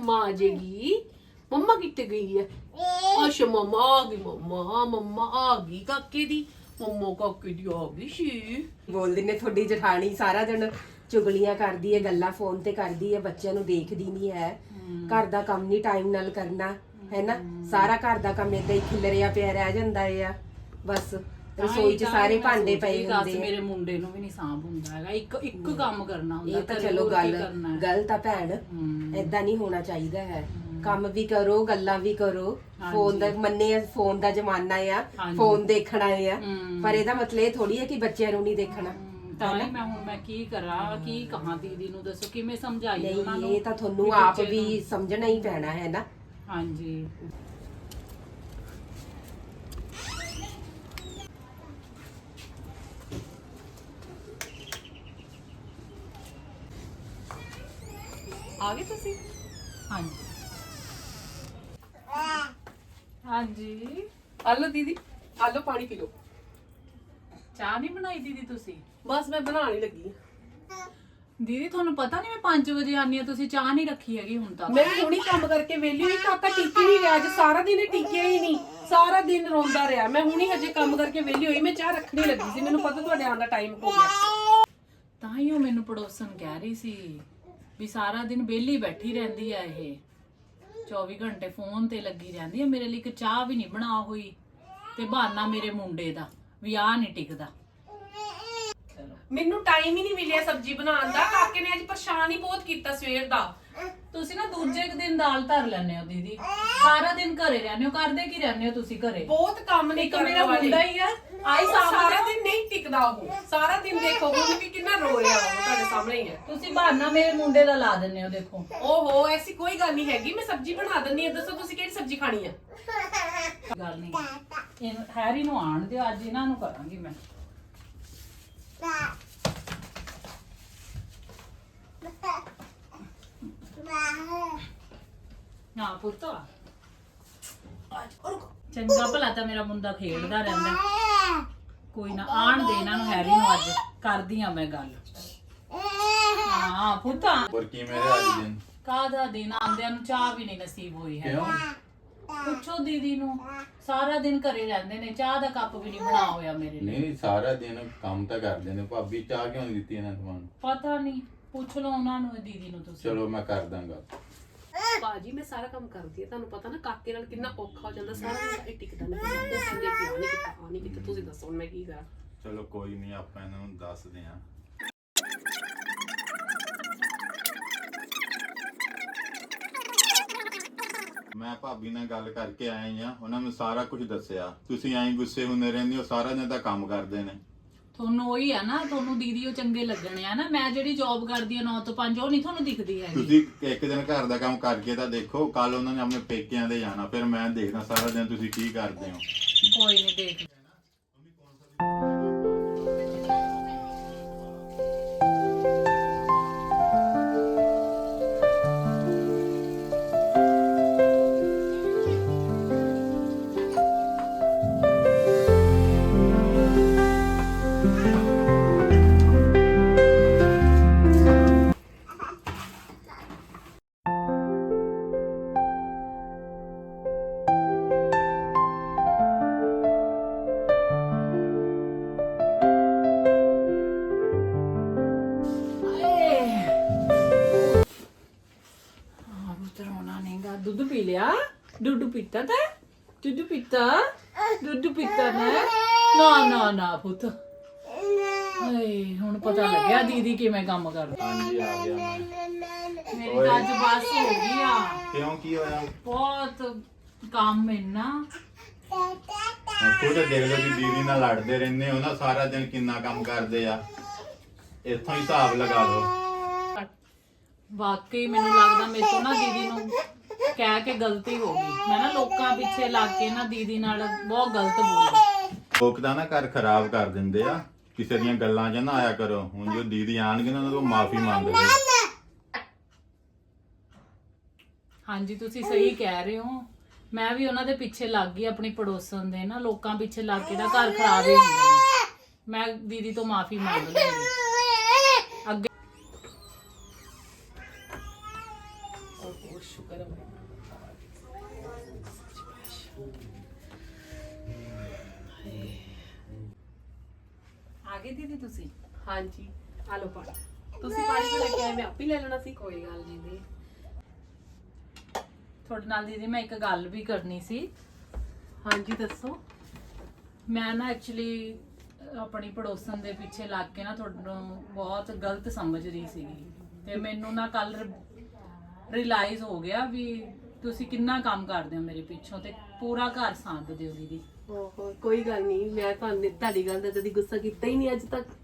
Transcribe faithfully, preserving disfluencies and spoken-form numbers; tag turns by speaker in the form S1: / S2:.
S1: मम्मा आ जाएगी। मम्मा कितने गई है? अच्छा मम्मा आ गई। मम्मा मम्मा आ गई काके दी। मम्मा काके दी आ गई सी।
S2: ਬੋਲਦੀ ਨੇ ਤੁਹਾਡੀ ਜਠਾਣੀ ਸਾਰਾ ਦਿਨ ਚੁਗਲੀਆਂ ਕਰਦੀ ਹੈ, ਗੱਲਾਂ ਫੋਨ ਤੇ ਕਰਦੀ ਹੈ, ਬੱਚਿਆਂ ਨੂੰ ਦੇਖਦੀ ਨਹੀਂ ਹੈ, ਘਰ ਦਾ ਕੰਮ ਨਹੀਂ ਟਾਈਮ ਨਾਲ ਕਰਨਾ ਹੈ ਨਾ, ਸਾਰਾ ਘਰ ਦਾ ਕੰਮ ਏਦਾਂ ਹੀ ਖਿਲਰਿਆ ਪਿਆ ਰਹਿ ਜਾਂਦਾ ਹੈ। ਬਸ ਰਸੋਈ 'ਚ ਸਾਰੇ ਭਾਂਡੇ ਪਏ ਹੁੰਦੇ ਆ।
S3: ਮੇਰੇ ਮੁੰਡੇ ਨੂੰ ਵੀ ਨਹੀਂ ਸਾਂਭ ਹੁੰਦਾ ਹੈਗਾ, ਇੱਕ ਇੱਕ ਕੰਮ ਕਰਨਾ ਹੁੰਦਾ।
S2: ਇਹ ਤਾਂ ਚਲੋ ਗੱਲ ਗਲਤ ਆ ਭੈਣ, ਏਦਾਂ ਨਹੀਂ ਹੋਣਾ ਚਾਹੀਦਾ ਹੈ। ਕੰਮ ਵੀ ਕਰੋ, ਗੱਲਾਂ ਵੀ ਕਰੋ। ਫੋਨ ਦਾ ਮੰਨੇ ਆ, ਫੋਨ ਦਾ ਜ਼ਮਾਨਾ ਆ, ਫੋਨ ਦੇਖਣਾ ਆ, ਪਰ ਇਹਦਾ ਮਤਲਬ ਇਹ ਥੋੜੀ ਹੈ ਕਿ ਬੱਚਿਆਂ ਨੂੰ ਨਹੀਂ ਦੇਖਣਾ।
S3: ਤਾਂ ਹੀ ਮੈਂ ਹੁਣ ਮੈਂ ਕੀ ਕਰਾਂ, ਕੀ ਕਹਾਂ ਦੀਦੀ ਨੂੰ, ਦੱਸੋ ਕਿਵੇਂ ਸਮਝਾਈਏ ਉਹਨਾਂ ਨੂੰ।
S2: ਇਹ ਤਾਂ ਤੁਹਾਨੂੰ ਆਪ ਵੀ ਸਮਝਣਾ ਹੀ ਪੈਣਾ ਹੈ ਨਾ।
S3: ਹਾਂਜੀ
S1: आ गए तुसी?
S3: ਹਾਂਜੀ ਹਾਂਜੀ
S1: आ लो दीदी, आ लो पानी पी लो।
S3: ਚਾਹ ਨਹੀਂ ਬਣਾਈ ਦੀਦੀ ਤੁਸੀਂ?
S1: बस मैं बनाने लगी।
S3: ਦੀਦੀ ਤੁਹਾਨੂੰ ਪਤਾ ਨਹੀਂ ਮੈਂ ਪੰਜ ਵਜੇ ਆਨੀ ਆ, ਤੁਸੀਂ ਚਾਹ ਨਹੀਂ ਰੱਖੀ ਹੈਗੀ ਹੁਣ ਤੱਕ।
S1: मैं हुणी काम करके वेली हुई, काका टिकी नहीं रहा, अज सारा दिन टिकिया ही नहीं, सारा दिन रोंदा रहा। मैं हुणी हजे काम करके वेली हुई, मैं चाह रखनी लगी सी, मैनू पता तुहाडे आउण दा टाइम हो गया।
S3: ਤਾਂ ਹੀ ਉਹ ਮੈਨੂੰ ਪੜੋਸਨ ਕਹਿ ਰਹੀ ਸੀ ਵੀ ਸਾਰਾ ਦਿਨ ਵਿਹਲੀ ਬੈਠੀ ਰਹਿੰਦੀ ਆ, ਇਹ ਚੌਵੀ ਘੰਟੇ ਫੋਨ ਤੇ ਲੱਗੀ ਰਹਿੰਦੀ ਆ, ਮੇਰੇ ਲਈ ਇੱਕ ਚਾਹ ਵੀ ਨਹੀਂ ਬਣਾ ਹੋਈ, ਤੇ ਬਹਾਨਾ ਮੇਰੇ ਮੁੰਡੇ ਦਾ ਵੀ ਆ ਨਹੀਂ ਟਿਕਦਾ।
S1: ਮੈਨੂੰ ਟਾਈਮ ਹੀ ਨਹੀਂ ਮਿਲਿਆ ਸਬਜ਼ੀ ਬਣਾਉਣ ਦਾ। ਕਾਕੇ ਨੇ ਅੱਜ ਪਰੇਸ਼ਾਨ ਹੀ ਬਹੁਤ ਕੀਤਾ ਸਵੇਰ ਦਾ।
S3: ਤੁਸੀਂ ਨਾ ਦੂਜੇ ਕੁ ਦਿਨ ਦਾਲ ਧਰ ਲੈਂਦੇ ਹੋ ਦੀਦੀ, ਸਾਰਾ ਦਿਨ ਘਰੇ ਰਹਿੰਦੇ ਹੋ। ਕਰਦੇ ਕੀ ਰਹਿੰਦੇ ਹੋ ਤੁਸੀਂ ਘਰੇ?
S1: ਬਹੁਤ ਕੰਮ ਨਹੀਂ
S3: ਇੱਕ
S1: ਕਰਨ
S3: ਮੇਰਾ
S1: ਵਾਲੇ।
S3: ਮੁੰਡਾ ਹੀ ਆ,
S1: ਆਈ ਸਾਰਾ ਦਿਨ ਨਹੀਂ ਟਿਕਦਾ ਉਹ, ਸਾਰਾ ਦਿਨ ਦੇਖੋ ਹੁਣ ਵੀ ਕਿੰਨਾ ਰੋ ਰਿਹਾ ਉਹ, ਤੁਹਾਡੇ ਸਾਹਮਣੇ ਹੀ ਹੈ।
S3: ਤੁਸੀਂ ਬਹਾਨਾ ਮੇਰੇ ਮੁੰਡੇ ਦਾ ਲਾ ਦਿੰਦੇ ਹੋ। ਦੇਖੋ
S1: ਓਹੋ ਐਸੀ ਕੋਈ ਗੱਲ ਨਹੀਂ ਹੈਗੀ, ਮੈਂ ਸਬਜ਼ੀ ਬਣਾ ਦਿੰਨੀ ਆ। ਦੱਸੋ ਤੁਸੀਂ ਕਿਹੜੀ ਸਬਜ਼ੀ ਖਾਣੀ ਆ?
S3: ਗੱਲ ਨਹੀਂ, ਇਹਨੂੰ ਹੈਰੀ ਨੂੰ ਆਣ ਦਿਓ, ਅੱਜ ਇਹਨਾਂ ਨੂੰ ਕਰਾਂਗੀ ਮੈਂ। ਨਾ ਪੁੱਤ ਚੰਗਾ ਭਲਾ ਤਾਂ ਮੇਰਾ ਮੁੰਡਾ ਖੇਡਦਾ ਰਹਿੰਦਾ। ਕੋਈ ਨਾ ਆਣ ਦੇ ਇਹਨਾਂ ਨੂੰ, ਹੈਰੀ ਨੂੰ ਅੱਜ ਕਰਦੀ ਆ ਮੈਂ ਗੱਲ। ਹਾਂ ਪੁੱਤ
S4: और की मेरे आज दिन
S3: ਕਾਹਦਾ ਦਿਨ, ਆਂਦਿਆਂ ਨੂੰ ਚਾਹ ਵੀ ਨਹੀਂ ਨਸੀਬ ਹੋਈ ਹੈ। ਪੁੱਛੋ ਦੀਦੀ ਨੂੰ, ਸਾਰਾ ਦਿਨ ਘਰੇ ਰਹਿੰਦੇ ਨੇ, ਚਾਹ ਦਾ ਕੱਪ ਵੀ ਨਹੀਂ ਬਣਾ ਹੋਇਆ ਮੇਰੇ ਲਈ।
S4: नहीं सारा दिन काम तो करते ने भाभी चाह क्यों नहीं दी इन्हें तुहानू?
S3: ਪਤਾ ਨਹੀਂ, ਪੁੱਛ ਲਓ ਉਹਨਾਂ ਨੂੰ, ਦੀਦੀ ਨੂੰ ਤੁਸੀਂ।
S4: चलो मैं कर दांगा।
S1: ਬਾਜੀ ਮੈਂ ਸਾਰਾ ਕੰਮ ਕਰਦੀ ਆ, ਤੁਹਾਨੂੰ ਪਤਾ ਨਾ ਕਾਕੇ ਨਾਲ ਕਿੰਨਾ ਔਖਾ ਹੋ ਜਾਂਦਾ, ਸਾਰਾ ਦਿਨ ਇਹ ਟਿਕਦਾ ਨਹੀਂ। ਉਹ ਕਹਿੰਦੇ ਕਿ ਆ ਨਹੀਂ ਕੀਤਾ, ਆ ਨਹੀਂ ਕੀਤਾ, ਤੁਸੀਂ ਦੱਸੋ ਹੁਣ ਮੈਂ ਕੀ ਕਰਾਂ?
S4: चलो कोई नहीं ਆਪਾਂ ਇਹਨਾਂ ਨੂੰ ਦੱਸਦੇ ਆਂ। ਮੈਂ ਭਾਬੀ ਨਾਲ ਗੱਲ ਕਰਕੇ ਆਏ ਆ, ਉਹਨਾਂ ਨੂੰ ਸਾਰਾ ਕੁਝ ਦੱਸਿਆ। ਤੁਸੀਂ ਐਂ ਗੁੱਸੇ ਹੁੰਦੇ ਰਹਿੰਦੇ ਹੋ, ਸਾਰਾ ਦਿਨ ਤਾਂ ਕੰਮ ਕਰਦੇ ਨੇ।
S3: ਤੁਹਾਨੂੰ ਉਹੀ ਆ ਨਾ, ਤੁਹਾਨੂੰ ਦੀਦੀ ਉਹ ਚੰਗੇ ਲੱਗਣੇ ਆ ਨਾ। ਮੈਂ ਜਿਹੜੀ ਜੌਬ ਕਰਦੀ ਆ ਨੌ ਤੋਂ ਪੰਜ, ਉਹ ਨਹੀਂ ਤੁਹਾਨੂੰ ਦਿਖਦੀ ਹੈਗੀ।
S4: ਤੁਸੀਂ ਇੱਕ ਦਿਨ ਘਰ ਦਾ ਕੰਮ ਕਰਕੇ ਤਾਂ ਦੇਖੋ, ਕੱਲ ਉਹਨਾਂ ਨੇ ਆਪਣੇ ਪੇਕਿਆਂ ਦੇ ਜਾਣਾ, ਫਿਰ ਮੈਂ ਦੇਖਦਾ ਸਾਰਾ ਦਿਨ ਤੁਸੀਂ ਕੀ ਕਰਦੇ ਹੋ।
S3: ਕੋਈ ਨਹੀਂ ਦੇਖ ਦੁੱਧ ਪੀ ਲਿਆ? ਦੁੱਧ ਪੀਤਾ ਤਾਂ ਦੁੱਧ ਪੀਤਾ ਦੁੱਧ ਪੀਤਾ ਨਾ ਨਾ ਨਾ ਨਾ ਪੁੱਤ। ਹਾਏ ਹੁਣ ਪਤਾ ਲੱਗਿਆ ਦੀਦੀ ਕਿਵੇਂ ਕੰਮ ਕਰਦੀ।
S4: ਹਾਂਜੀ ਆ ਗਿਆ ਮੈਂ।
S3: ਮੇਰੀ ਤਾਂ ਅੱਜ ਬਸ ਹੋ ਗਈ ਆ।
S4: ਕਿਉਂ ਕੀ ਹੋਇਆ?
S3: ਬਹੁਤ ਕੰਮ ਇੰਨਾ।
S4: ਖੁਦ ਦੇਖ ਲਓ ਜੀ, ਦੀਦੀ ਨਾਲ ਲੜਦੇ ਰਹਿੰਦੇ ਹੋ ਨਾ, ਸਾਰਾ ਦਿਨ ਕਿੰਨਾ ਕੰਮ ਕਰਦੇ ਆ। ਇੱਥੋਂ ਹੀ ਹਿਸਾਬ ਲਗਾ ਲਓ।
S3: ਵਾਕਈ ਮੈਨੂੰ ਲੱਗਦਾ ਮੇਰੇ ਤੋਂ ਨਾ ਦੀਦੀ ਨੂੰ ਕਹਿ ਕੇ ਗਲਤੀ ਹੋ ਗਈ। ਮੈਂ ਨਾ ਲੋਕਾਂ ਪਿੱਛੇ ਲੱਗ ਕੇ ਨਾ ਦੀਦੀ ਨਾਲ ਬਹੁਤ ਗਲਤ ਬੋਲੀ।
S4: ਲੋਕ ਦਾ ਨਾ ਘਰ ਖਰਾਬ ਕਰ ਦਿੰਦੇ ਆ, ਕਿਸੇ ਦੀਆਂ ਗੱਲਾਂ 'ਚ ਨਾ ਆਇਆ ਕਰੋ। ਹੁਣ ਜੋ ਦੀਦੀ ਆਣਗੇ ਨਾ, ਉਹਨਾਂ ਤੋਂ ਮਾਫੀ ਮੰਗ ਲਓ।
S3: ਹਾਂਜੀ ਤੁਸੀਂ ਸਹੀ ਕਹਿ ਰਹੇ ਹੋ। ਮੈਂ ਵੀ ਉਹਨਾਂ ਦੇ ਪਿੱਛੇ ਲੱਗ ਗਈ, ਆਪਣੀ ਪੜੋਸਣ ਦੇ ਨਾ, ਲੋਕਾਂ ਪਿੱਛੇ ਲੱਗ ਕੇ ਨਾ ਘਰ ਖਰਾਬ ਹੀ ਹੁੰਦੇ ਨੇ। ਮੈਂ ਦੀਦੀ ਤੋਂ ਮਾਫੀ ਮੰਗ ਲਈ ਅੱਗੇ।
S1: ਓਹ ਸ਼ੁਕਰ ਹੈ ਵਾਹਿਗੁਰੂ।
S3: ਆ ਗਏ ਦੀਦੀ ਤੁਸੀਂ?
S1: ਹਾਂਜੀ ਆ ਲਓ ਪਾਣੀ। ਤੁਸੀਂ ਪਾਣੀ ਤੋਂ ਲੈ ਕੇ ਆਏ, ਮੈਂ ਆਪੇ ਲੈ ਲੈਣਾ ਸੀ।
S3: ਕੋਈ ਗੱਲ ਨਹੀਂ ਦੀ। ਤੁਹਾਡੇ ਨਾਲ ਦੀਦੀ ਮੈਂ ਇੱਕ ਗੱਲ ਵੀ ਕਰਨੀ ਸੀ।
S1: ਹਾਂਜੀ ਦੱਸੋ।
S3: ਮੈਂ ਨਾ ਐਕਚੁਅਲੀ ਆਪਣੀ ਪੜੋਸਨ ਦੇ ਪਿੱਛੇ ਲੱਗ ਕੇ ਨਾ ਤੁਹਾਨੂੰ ਬਹੁਤ ਗਲਤ ਸਮਝ ਰਹੀ ਸੀਗੀ, ਤੇ ਮੈਨੂੰ ਨਾ ਕੱਲ ਰਿਅਲਾਈਜ਼ ਹੋ ਗਿਆ ਵੀ ਤੁਸੀਂ ਕਿੰਨਾ ਕੰਮ ਕਰਦੇ ਹੋ ਮੇਰੇ ਪਿੱਛੋਂ ਤੇ ਪੂਰਾ ਘਰ ਸਾਂਭਦੇ ਹੋ ਦੀਦੀ।
S1: ਓਹੋ ਕੋਈ ਗੱਲ ਨਹੀਂ, ਮੈਂ ਤੁਹਾਨੂੰ ਤੁਹਾਡੀ ਗੱਲ ਦਾ ਕਦੀ ਗੁੱਸਾ ਕੀਤਾ ਹੀ ਨਹੀਂ ਅੱਜ ਤੱਕ।